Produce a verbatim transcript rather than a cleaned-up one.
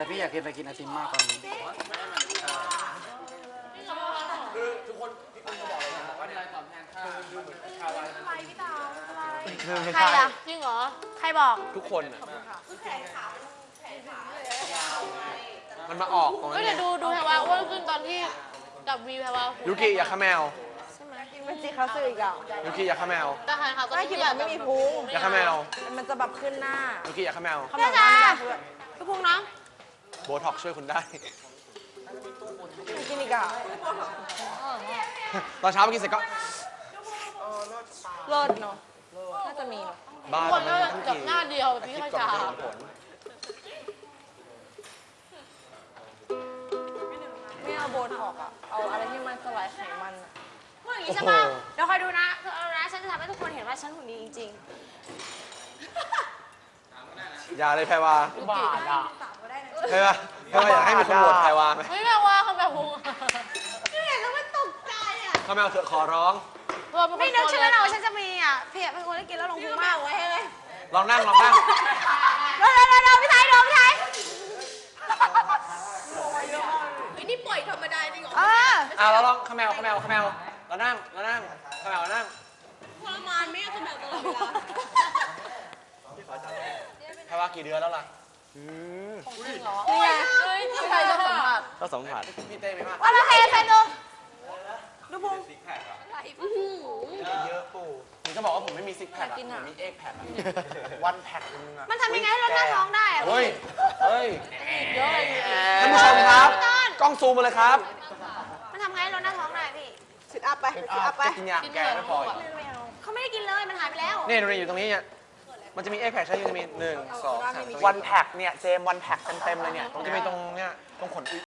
แต่พี่อยากกินไปกินไอติมมากตอนนี้คือทุกคนพี่คุณก็บอกเลยนะว่าในรายตอบแทนค่าค่าอะไรใครอะจริงเหรอใครบอกทุกคนอ่ะมันมาออกตรงก็นั้นเดี๋ยวดูดูแพรวาอ้วนขึ้นตอนที่กับวีแพรวายูกิอยากข้าแมวมันจีเขาซื้ออีกอ่ะยูกิอยากข้าแมวแต่ใครเขาก็ไม่คิดแบบไม่มีพุงอยากข้าแมวมันจะแบบขึ้นหน้ายูกิอยากข้าแมวเขาแบบว่าไม่ได้เพื่อนพี่พุงน้องโบท็อกช่วยคุณได้ไม่กินอีกอ่ะตอนเช้าเมื่อกี้เสร็จก็เลิศเนาะน่าจะมีเนาะบ้าคนแต่ก็มันจับหน้าเดียวแบบพี่ข้าชาไม่เอาโบท็อกอ่ะเอาอะไรที่มันสลายไขมันอ่ะพูดอย่างนี้ใช่ป่ะเดี๋ยวคอยดูนะคือเอานะฉันจะทำให้ทุกคนเห็นว่าฉันหุ่นดีจริงอย่าเลยแพรวาๆบาทอ่ะแพรวาแพรวาอยากให้มีคนโหวตแพรวาไหมไม่แปลว่าเขาแบบพุงข้าแมวเถอะขอร้องไม่นึกใช่ไหมเราฉันจะมีอ่ะเพียเป็นคนที่กินแล้วลงพุงมากไว้ให้เลยลองนั่งลองนั่งเร็วเร็วเร็วเร็วพี่ไทยเร็วพี่ไทยนี่ปล่อยธรรมดาจริงเหรอเอออ่ะเราลองข้าแมวข้าแมวข้าแมวเรานั่งเรานั่งข้าแมวเรานั่งทรมานไม่ก็แบบตลอดเวลาแพรวากี่เดือนแล้วล่ะนี่ไงพี่ไทยจะสัมผัสก็สองผัดพี่เต้ไหมมากว่าเราเทใส่ดูดูพุงเยอะปู่ผมจะบอกว่าผมไม่มีซิกแพคอะผมมีเอ็กแพควันแพคนึงอะมันทำยังไงให้ลดหน้าท้องได้อะเฮ้ย เฮ้ยเยอะเลยท่านผู้ชมครับ กล้องซูมมาเลยครับมันทำไงให้ลดหน้าท้องได้พี่ซิทอัพไปซิทอัพไปจะกินยาแก้ไม่พออีกเขาไม่ได้กินเลยมันหายไปแล้วนี่ดูนี่อยู่ตรงนี้เนี่ยมันจะมีเอ็กแพคใช่ไหมจะมีหนึ่งสองสามมีวันแพคเนี่ยเจมวันแพคเต็มๆเลยเนี่ยมันจะมีตรงเนี้ยตรงขน